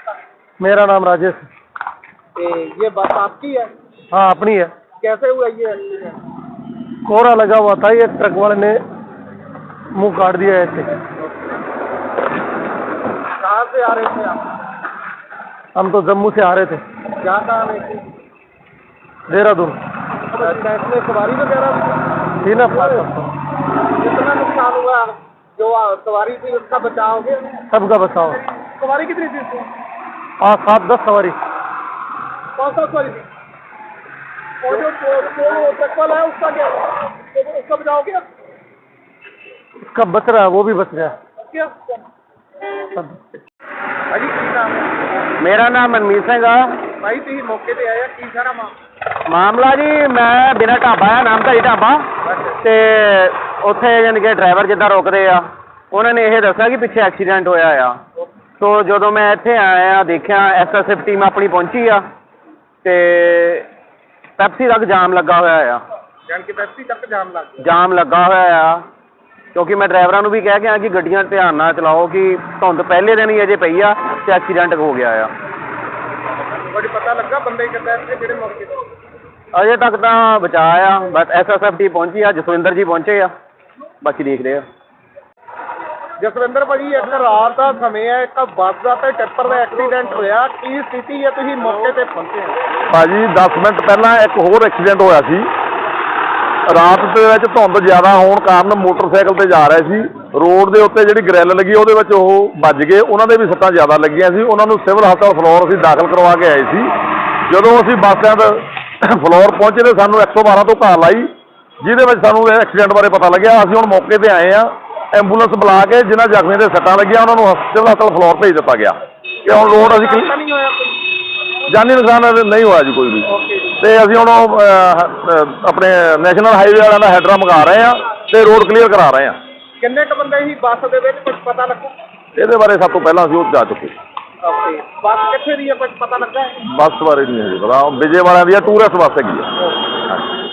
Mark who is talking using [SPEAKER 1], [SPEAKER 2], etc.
[SPEAKER 1] मेरा नाम राजेश।
[SPEAKER 2] ये बस आपकी है?
[SPEAKER 1] हाँ अपनी है।
[SPEAKER 2] कैसे हुआ ये एक्सीडेंट?
[SPEAKER 1] कोहरा लगा हुआ था, ये ट्रक वाले ने मुंह काट दिया ऐसे।
[SPEAKER 2] कहाँ से आ रहे थे आप?
[SPEAKER 1] हम तो जम्मू से आ रहे थे।
[SPEAKER 2] क्या कहाँ रहे थे?
[SPEAKER 1] देहरादून।
[SPEAKER 2] अच्छा, इसमें सवारी वगैरह
[SPEAKER 1] थी ना।
[SPEAKER 2] कितना नुकसान हुआ? जो सवारी थी उसका बचाव हो गया?
[SPEAKER 1] सबका बचाओ।
[SPEAKER 2] सवारी कितनी थी इसमें?
[SPEAKER 1] 7-10 सवारी।
[SPEAKER 2] कौन सा सवारी थी? और जो ट्रक वाला है उसका क्या हुआ? उसका बचाव हो गया?
[SPEAKER 1] उसका बच रहा है, वो भी बच गया।
[SPEAKER 2] क्या? अजी की नाम है?
[SPEAKER 1] मेरा नाम मनमीत सिंह आ।
[SPEAKER 2] भाई तुम मौके पे आया की सारा
[SPEAKER 1] ਮਾਮਲਾ ਜੀ ਮੈਂ ਬਿਨਾਂ ਢਾਬਾ ਆ, ਨਾਮਧਾਰੀ ਢਾਬਾ, ਤੇ ਉੱਥੇ ਯਾਨੀ ਕਿ ਡਰਾਈਵਰ ਜਿੱਦਾਂ ਰੋਕਦੇ ਆ ਉਹਨਾਂ ਨੇ ਇਹ ਦੱਸਿਆ ਕਿ ਪਿੱਛੇ ਐਕਸੀਡੈਂਟ ਹੋਇਆ ਆ। ਸੋ ਜਦੋਂ ਮੈਂ ਇੱਥੇ ਆਇਆ ਦੇਖਿਆ SSF ਟੀਮ ਆਪਣੀ ਪਹੁੰਚੀ ਆ ਤੇ ਪੈਪਸੀ ਤੱਕ ਜਾਮ ਲੱਗਾ ਹੋਇਆ ਆ।
[SPEAKER 2] ਜਾਨ ਕਿ ਪੈਪਸੀ ਤੱਕ ਜਾਮ ਲੱਗ ਗਿਆ?
[SPEAKER 1] ਜਾਮ ਲੱਗਾ ਹੋਇਆ ਆ ਕਿਉਂਕਿ ਮੈਂ ਡਰਾਈਵਰਾਂ ਨੂੰ ਵੀ ਕਹਿ ਕੇ ਆ ਕਿ ਗੱਡੀਆਂ ਧਿਆਨ ਨਾਲ ਚਲਾਓ ਕਿ ਧੁੰਦ ਪਹਿਲੇ ਦਿਨ ਹੀ ਅਜੇ ਪਈ ਆ ਤੇ ਐਕਸੀਡੈਂਟ ਹੋ ਗਿਆ ਆ।
[SPEAKER 2] ਬੜੀ ਪਤਾ ਲੱਗਾ ਬੰਦੇ ਕਿੱਦਾਂ ਇੱਥੇ ਜਿਹੜੇ ਮੌਕੇ ਤੇ?
[SPEAKER 1] ਅਜੇ ਤੱਕ ਤਾਂ ਬਚਾ ਆ, ਬਸ SSF ਟੀਮ ਪਹੁੰਚੀ ਆ, ਜਸਵਿੰਦਰ ਜੀ ਪਹੁੰਚੇ ਆ, ਬਾਕੀ ਦੇਖਦੇ ਆ।
[SPEAKER 2] ਜਸਵਿੰਦਰ ਭਾਜੀ ਇੱਕ ਰਾਤ ਦਾ ਸਮੇਂ ਹੈ, ਇੱਕ ਬੱਸ ਦਾ ਤੇ ਟਿੱਪਰ ਦਾ ਐਕਸੀਡੈਂਟ ਹੋਇਆ, ਕੀ ਸਥਿਤੀ ਹੈ? ਤੁਸੀਂ ਮੌਕੇ ਤੇ ਪਹੁੰਚੇ ਹੋ?
[SPEAKER 3] ਭਾਜੀ 10 ਮਿੰਟ ਪਹਿਲਾਂ ਇੱਕ ਹੋਰ ਐਕਸੀਡੈਂਟ ਹੋਇਆ ਸੀ। ਰਾਤ ਦੇ ਵਿੱਚ ਧੁੰਦ ਜ਼ਿਆਦਾ ਹੋਣ ਕਾਰਨ ਮੋਟਰਸਾਈਕਲ ਤੇ ਜਾ ਰਹੇ ਸੀ, ਰੋਡ ਦੇ ਉੱਤੇ ਜਿਹੜੀ ਗ੍ਰਿਲ ਲੱਗੀ ਉਹਦੇ ਵਿੱਚ ਉਹ ਵੱਜ ਗਏ, ਉਹਨਾਂ ਦੇ ਵੀ ਸੱਟਾਂ ਜ਼ਿਆਦਾ ਲੱਗੀਆਂ ਸੀ। ਉਹਨਾਂ ਨੂੰ ਸਿਵਲ ਹਸਪਤਾਲ ਫਲੋਰ ਅਸੀਂ ਦਾਖਲ ਕਰਵਾ ਕੇ ਆਏ ਸੀ। ਜਦੋਂ ਅਸੀਂ ਬੱਸ ਸਟੈਂਡ ਫਲੋਰ ਪਹੁੰਚੇ ਤੇ ਸਾਨੂੰ 112 ਤੋਂ ਕਾਲ ਆਈ, ਜਿਹਦੇ ਵਿੱਚ ਸਾਨੂੰ ਇਹ ਐਕਸੀਡੈਂਟ ਬਾਰੇ ਪਤਾ ਲੱਗਿਆ। ਅਸੀਂ ਹੁਣ ਮੌਕੇ ਤੇ ਆਏ ਹਾਂ, ਐਂਬੂਲੈਂਸ ਬੁਲਾ ਕੇ ਜਿਨ੍ਹਾਂ ਜ਼ਖਮੀਆਂ ਦੇ ਸੱਟਾਂ ਲੱਗੀਆਂ ਉਹਨਾਂ ਨੂੰ ਸਿਵਲ ਹਸਪਤਾਲ ਫਲੋਰ ਭੇਜ ਦਿੱਤਾ ਗਿਆ। ਕਿ ਹੁਣ ਰੋਡ ਅਸੀਂ
[SPEAKER 2] ਨਹੀਂ ਹੋਇਆ ਕੋਈ
[SPEAKER 3] ਜਾਨੀ ਨੁਕਸਾਨ ਨਹੀਂ ਹੋਇਆ ਜੀ ਕੋਈ ਵੀ। ਤੇ ਅਸੀਂ ਹੁਣ ਆਪਣੇ ਨੈਸ਼ਨਲ ਹਾਈਵੇ ਵਾਲਿਆਂ ਦਾ ਹੈਡਰਾ ਮੰਗਾ ਰਹੇ ਹਾਂ ਤੇ ਰੋਡ ਕਲੀਅਰ ਕਰਾ ਰਹੇ ਹਾਂ।
[SPEAKER 2] ਕਿੰਨੇ ਕੁ ਬੰਦੇ ਸੀ ਬੱਸ ਦੇ ਵਿੱਚ, ਕੁਝ ਪਤਾ ਲੱਗਾ?
[SPEAKER 3] ਇਹਦੇ ਬਾਰੇ ਸਭ ਤੋਂ ਪਹਿਲਾਂ ਅਸੀਂ ਉਹ ਜਾ ਚੁੱਕੇ।
[SPEAKER 2] ਬੱਸ ਕਿੱਥੇ ਦੀ ਹੈ, ਕੁਝ ਪਤਾ ਲੱਗਾ?
[SPEAKER 3] ਬੱਸ ਬਾਰੇ ਨਹੀਂ ਹੈ ਜੀ ਪਤਾ, ਵਿਜੇ ਵਾਲਿਆਂ ਦੀ ਟੂਰਿਸਟ ਬੱਸ ਹੈਗੀ ਆ।